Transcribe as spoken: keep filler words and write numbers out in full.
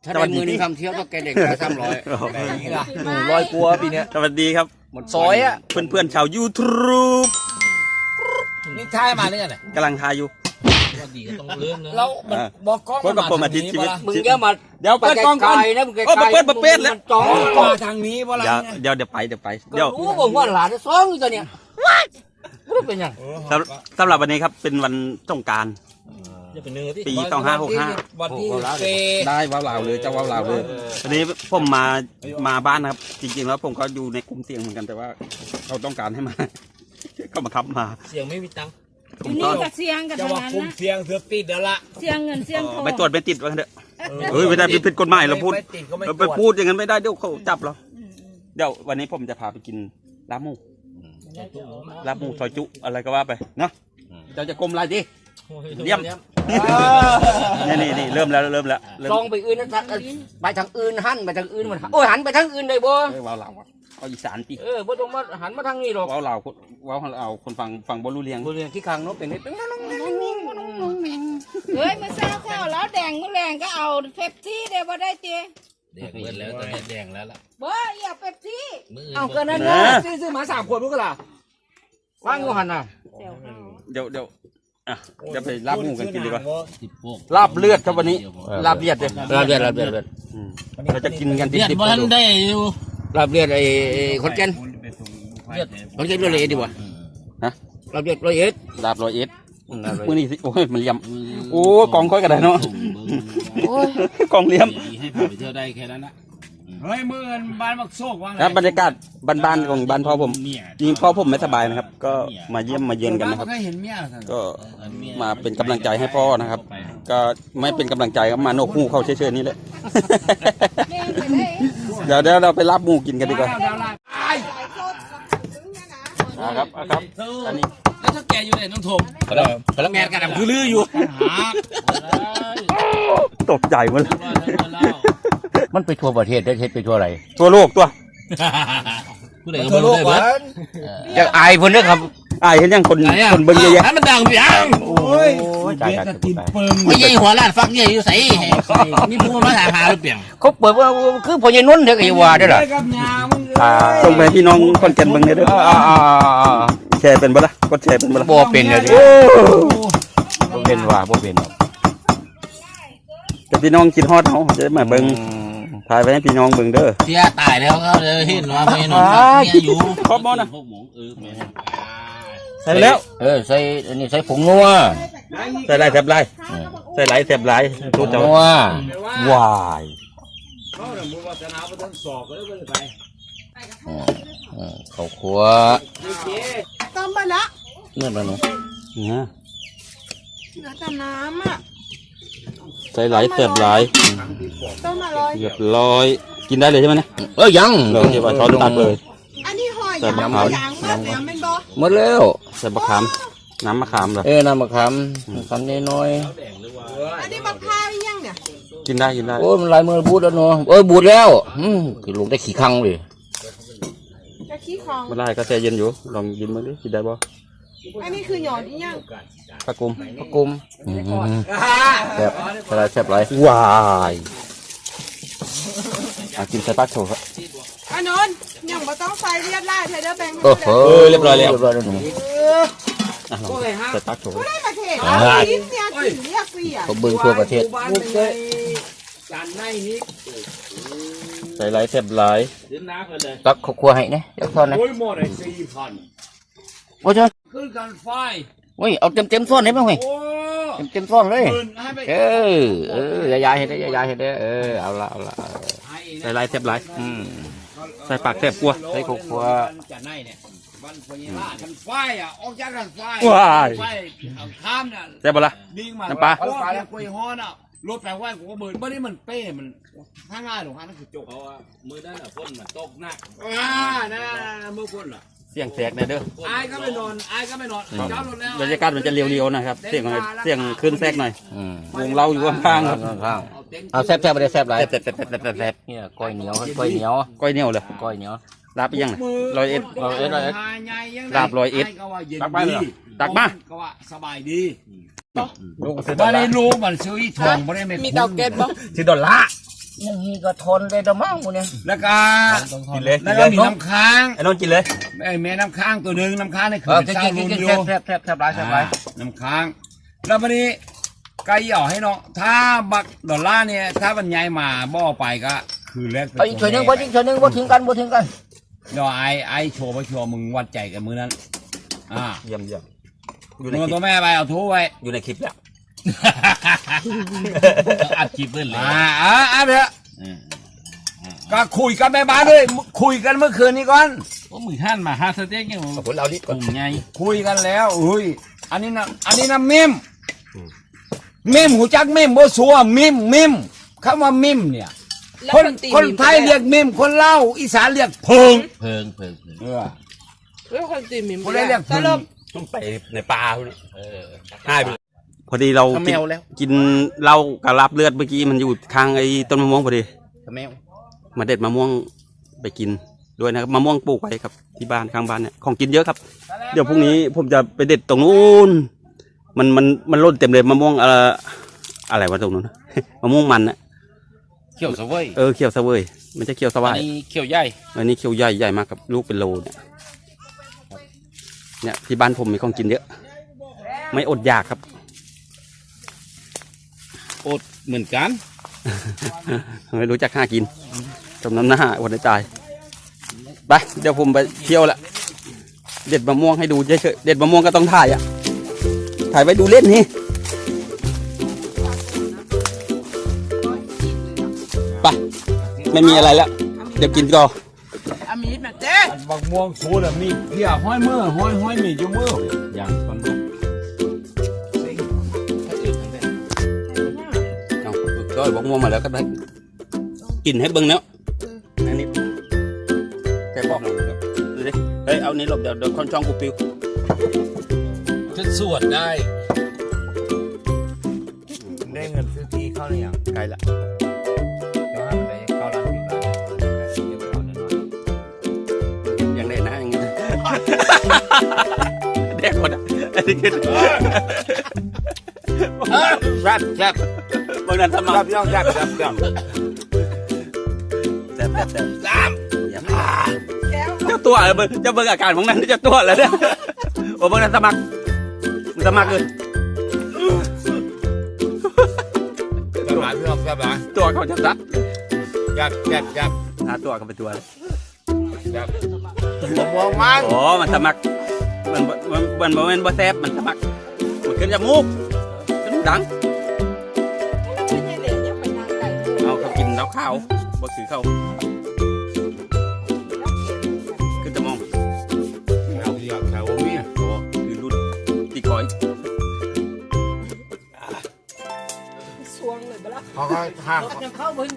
ถ้าได้มือนึงทำเที่ยวต้องแกเด็กแค่สามร้อยนี่ล่ะหนึ่งร้อยกลัวปีเนี้ยสวัสดีครับหมดซอยอ่ะเพื่อนเพื่อนๆชาวยูทูบนี่ท้ายมาเนี่ยกำลังทายอยู่ว่าดีก็ต้องเริ่มเลยเรามันบอกกล้องคนกับผมอาทิตย์ชีวิตมึงแกมาเดี๋ยวเปิดกล้องก่อนนะมึงไกลโอ้เปิดเปิดเปิดแล้วมันจ้องมาทางนี้เพราะอะไรเดี๋ยวเดี๋ยวเดี๋ยวไปเดี๋ยวไปก็เดี๋ยวรู้ผมว่าหลานซ้องอยู่ตัวเนี้ยรู้เป็นยังสำสำหรับวันนี้ครับเป็นวันสงกรานต์จะเป็นเนื้อที่ปีสองห้าหกห้าวันที่เซได้ว้าวลาวเลยจะว้าวลาวเลยวันนี้ผมมามาบ้านนะครับ จริงๆแล้วผมก็อยู่ในกลุ่มเสี่ยงเหมือนกันแต่ว่าเขาต้องการให้มา ก็มาทับมาเสียงไม่มีตังค์อยู่นี่กับเสียงกับจะทางว่านั้นคุมนะเสียงเสือติดเดี๋ยวละเสียงเงินเสียงทองไม่ตรวจไม่ติดว่างั้นเถอะเฮ้ยไม่ได้ผิดกฎหมายเราพูดไม่ติดก็ไม่เราตไปรวจพูดอย่างนั้นไม่ได้เดี๋ยวเขาจับเราเดี๋ยววันนี้ผมจะพาไปกินลาบหมูลาบหมูซอยจุอะไรก็ว่าไปเนาะเราจะกลมอะไรดิเยี่ยมนี่นี่นี่เริ่มแล้วเริ่มแล้วเริ่มซองไปอื่นนะไปทางอื่นหันไปทางอื่นมันโอ้ยหันไปทางอื่นเลยบ่เอ้ยว้าวเราวอะเอาอีสานปีเออบ่ต้องมาหันมาทางนี้หรอกว้าวเราคนว้าวเราคนฟังฟังบอลูเลียงบริเวณที่คางนกเป็นนี่เฮ้ยมาเช้าข้าวแล้วแดงมื้อแรงก็เอาเป๊ปซี่เดี๋ยวบ่ได้เจ๊แดงเบิดแล้วตอนนี้แดงแล้วล่ะบ่อย่าเป๊ปซี่มือเอาก็นั่นนะซื้อซื้อมาสามขวดมั้งก็ล่ะว่างกูหันน่ะเดี๋ยวข้าวเดี๋ยวเดี๋ยวอ่ะเดี๋ยวไปลาบหมูกันกินดีกว่าติดพวกลาบเลือดครับวันนี้ลาบเลือดเลยลาบเลือดลาบเลือดอืมเราจะกินกันดิเลือดบบ้านได้อยู่ลาบเลือดไอ้คนแก่นเลือดคนแก่นร้อยเอ็ดดีกว่าฮะลาบเลือดร้อยเอ็ดลาบร้อยเอ็ดมือนี่สิโอ้ยมันเลี่ยมโอ้กองค่อยกันได้เนาะกองเลี่ยมให้พาไปเที่ยวได้แค่นั้นนะเฮ้ยมือบ้านมักโซกว่างครับบรรยากาศบ้านๆของบ้านพ่อผมจริงพ่อผมไม่สบายนะครับ ก็มาเยี่ยมมาเยือนกันนะครับเคยเห็นเมียก็มาเป็นกำลังใจให้พ่อนะครับ ก็ไม่เป็นกำลังใจครับมาโนกหูเข้าเฉยๆนี่แหละแดงไปได้เดี๋ยวเดี๋ยวเราไปลาบหมูกินกันดีกว่าครับครับอันนี้แล้วถ้าแกอยู่ไหนน้องถมพลังงานกระดับคือลืออยู่หาตกใจหมดเลยมันไปทั่วประเทศได้เฮ็ดไปทั่วอะไรตัวโลกตัวผู้ใดก็บ่รู้ได้เบิดอยากอายเพิ่นเด้อครับอายเห็นยังคนคนเบิ่งเยอะแยะให้มันดังไปยังโอ้ยตายตายตายไม่ใช่หัวล้านฟักใหญ่อยู่ใส่มีผู้มาถามหาหรือเปล่าเขาเปิดว่าคือพ่อใหญ่นุ่นเด้อก็อย่าว่าเด้อล่ะอ่าส่งไปให้พี่น้องคนแก่นเบิ่งเลยเด้ออ่าแชร์เป็นบ่ล่ะกดแชร์เป็นบ่ล่ะบ่เป็นเลยดิโอ้บ่เป็นว่าบ่เป็นแต่พี่น้องกินฮอดเฮาจะมาเบิ่งถ่ายไว้ให้พี่น้องเบิ่งเด้อเสียตายแล้วเขาเลยเห็นว่าไม่นอนเมียอยู่ครบบ่นะพวกหมูเออแม่ใส่แล้วเออใส่อันนี้ใส่ผงนัวใส่ลายแทบลายใส่ลายแทบลายผทุงกเจ้านัววายอืมอืมข้าวคั่วต้มไปละเนื้อมันเนาะนะเหลือแต่น้ำอ่ะใส่ลายแทบลายต้มอร่อยเรียบร้อยกินได้เลยใช่ไหมเนี่ยเอ้ยยังเราเก็บไว้ช้อนตักเลยอันนี้หอยใส่มะยางขามยางมากแล้วเป็นบ่หมดแล้วใส่มะขามน้ำมะขามเหรอเออน้ำมะขามมะขามน้อยอันนี้มะพร้าวยังเนี่ยกินได้กินได้ๆโอ้ยมันลายมือบูดแล้วเนาะเอ้ยบูดแล้วอืมคือลงได้ขี้คังเลยกะขี้ของไม่ได้ก็แช่เย็นอยู่ลองกินมาดิกินได้บ่อันนี้คือหยอดอีหยังผักกุมผักกุมอืมแซ่บใส่ลายแซ่บหลายวายอ่ะกินใส่ปลาโถครับอันนนท์ยังบ่ต้องใส่เลียดลายเธอเด้อแบงค์โอ้โหเออเรียบร้อยแล้วเรียบร้อยแล้วหนูอ่ะลองใส่ปลาโถได้ประเทศเอาลิ้นเนี่ยกินเรียกเสียเขาเบิ่งทั่วประเทศใส่ลายแทบลายตักข้าวคั่วให้นะเดี๋ยวทอนนะโอ้ยหมดไอ้สี่พันโอ้ยเจ้าขึ้นกันไฟโอ้ยเอาเต็มเต็มๆซ้อนได้ไหมเว้ยโอ้เต็มเต็มๆซ้อนเลยปืนให้ไปเออเออยายๆเห็นได้ยายๆเห็นได้เออเอาละเอาละเออใส่ลายแทบลายอืมใส่ปากแทบกลัวใส่ข้าวคั่วจะไหนเนี่ยวันพญานาคกันไฟอ่ะออกจากกันไฟว้ายไฟเอาข้ามเนี่ยแซ่บบ่ล่ะดิ้งมาน้ำปลาโอ้ยคุยฮ้อนอ่ะรถไฟไหวกูก็เบิร์นเมื่อนี้มันเป้มันถ้าง่ายหรอกฮะนั่นคือจบเอาอะมือด้านอ่ะฝนมันตกหนักอ่าน่ามือฝนอ่ะเสียงแสกแน่เด้ออายก็ไม่นอนอายก็ไม่นอนเจ้ารถแล้วบรรยากาศมันจะเรียวๆนะครับ เสียงเสียงขึ้นแทรกหน่อยอืมวงเราอยู่ข้างๆครับข้างๆเอาแซ่บๆไปเลยแซ่บหลายแซ่บๆๆๆๆเนี่ยก้อยเหนียวก้อยเหนียวก้อยเหนียวเลยก้อยเหนียวลาบไปยังน่ะร้อยเอ็ดร้อยเอ็ดร้อยเอ็ดลาบร้อยเอ็ดก็ว่าเย็นตักไปเหรอดีตักมาก็ว่าสบายดีลูกซื้อดบ่อลได้ลาร์รู้มันซื้ออีทองบ่ได้ไม่มีเตาแก๊สบ่ซื้อดอลลาร์อย่างนี้ก็ทนได้ดมั้งกูเนี่ยแล้วก็กินเลยแล้วก็มีน้ำค้างไอ้นนท์กินเลยไอ้แม่น้ำค้างตัวหนึ่งน้ำค้างนี่คืเอออเป็นกินเจ้ากิลุนงกินโยแทบแทบแทบแทบไรแทบไรน้ำค้างแล้ววันนี้ไก่หย่อให้น้องถ้าบักดอลลาร์เนี่ยถ้าบรรยายมาบ่อไปก็คือแรกเอาอีกช่วยหนึ่งบ่อีกช่วยหนึ่งบ่ทิ้งกันบ่ทิ้งกันเดี๋ยวไอ้ไอ้โชว์ไปโชว์มึงวัดใจกันมือนั้นอ่าเยี่ยมเยี่ยมอยู่ในมึงคลิตัวปแม่ไปเอาทูไว้อยู่ในคลิปแล้วอัดคลิปเล่นเลยอ่าอ่าอ่าเถอะก็คุยกันแม่บ้านด้วยคุยกันเมื่อคืนนี้ก่อนก็มือท่านมาห้าสเต็กเนี่ยขอบคุณเราดิกลุ่มไงคุยกันแล้วอุ้ยอันนี้นะอันนี้นะมิมมิมหูจักมิมบ่สัวมิมมิมคำว่ามิมเนี่ยคนคนไทยเรียกมิมคนเล่าวอีสานเรียกเพิงเพิงเพิงเพิงเออเรื่องคนตีมิมคนได้เรียกเพิงต้องไปในป่าพวกนี้เออใช่พอดีเราขมกินวแล้วกินเหล้ากับลาบเลือดเมื่อกี้มันอยู่ข้างไอ้ต้นมะม่วงพอดีขมวมาเด็ดมะม่วงไปกินด้วยนะครับมะม่วงปลูกไว้ครับที่บ้านข้างบ้านเนี่ยของกินเยอะครับ เดี๋ยวพรุ่งนี้ผมจะไปเด็ดตรงนู้นมันมันมันร่นเต็มเลยมะม่วงเอ่ออะไรวะตรงนู้น นะ มะม่วงมันนะเขียวสวยเออเขียวเสวยมันจะเขียวสอัวาน ยนี้เขียวใหญ่อันนี้เขียวใหญ่ใหญ่มากครับลูกเป็นโลเนี่ยเนี่ยที่บ้านผมมีของกินเยอะ ไม่อดอยากครับอดเหมือนกันไม่รู้จักหากินจมน้ำหน้าวันใจายไปเดี๋ยวผมไปเที่ยวละเด็ดมะม่วงให้ดูเฉยๆเด็ดมะม่วงก็ต้องถ่ายอ่ะถ่ายไว้ดูเล่นนี่ไปไม่มีอะไรแล้วเดี๋ยวกินก่อนอามีดมาเจ๊บักม่วงสูดมีเพียห้อยมือห้อยห้อยมีจุมืออย่างตอนนี้เอาก็บอกม่วงมาแล้วก็ได้กินให้เบิ้งแล้วอันนี้แค่บอกดูดิเฮ้ยเอานี้หลบเดี๋ยวเดี๋ยวคนช่องกูปิวจะสวดได้ได้เงินซื้อที่เข้าหรือยังไกลละเดี๋ยวให้มันได้เข้าร้านที่ร้านเดี๋ยวเอาหน่อยยังได้นะอย่างเงี้ย เด็กคนอ่ะอันนี้คือแซ่บแซ่บบางนั้นสมัแซ่คบรย่องแซ่บแซ่บแซ่บแซ่บแซ่บแซ่บสามอย่ามาเจ้าตัวเหรอเบิ่งเจ้าเบิ่งอาการของนั้นเจ้าตัวเหรอเนี่ยโอ้บางนั้นสมัครมึงสมัครเลยแซ่บหลายพี่น้องแซ่บหลายตัวเขาจะซัดแซ่บแซ่บแซ่บหาตัวกันไปตัวเลยแซ่บบักม่วงมันโอ้มันสมัครมันมันมันมันมันบ่แซ่บมันสมัครมันขึ้นจมูกขึ้นดังไม่ใช่เด็กยังไปทางไก่เอาเขากินแล้วข้าวบ่ถือเข้าขึ้นจมูกแถวเดียวแถวมีโอ้คือรุ่นตีคอยสวงเลยบ้าเขาก็ห้างยังเข้าไป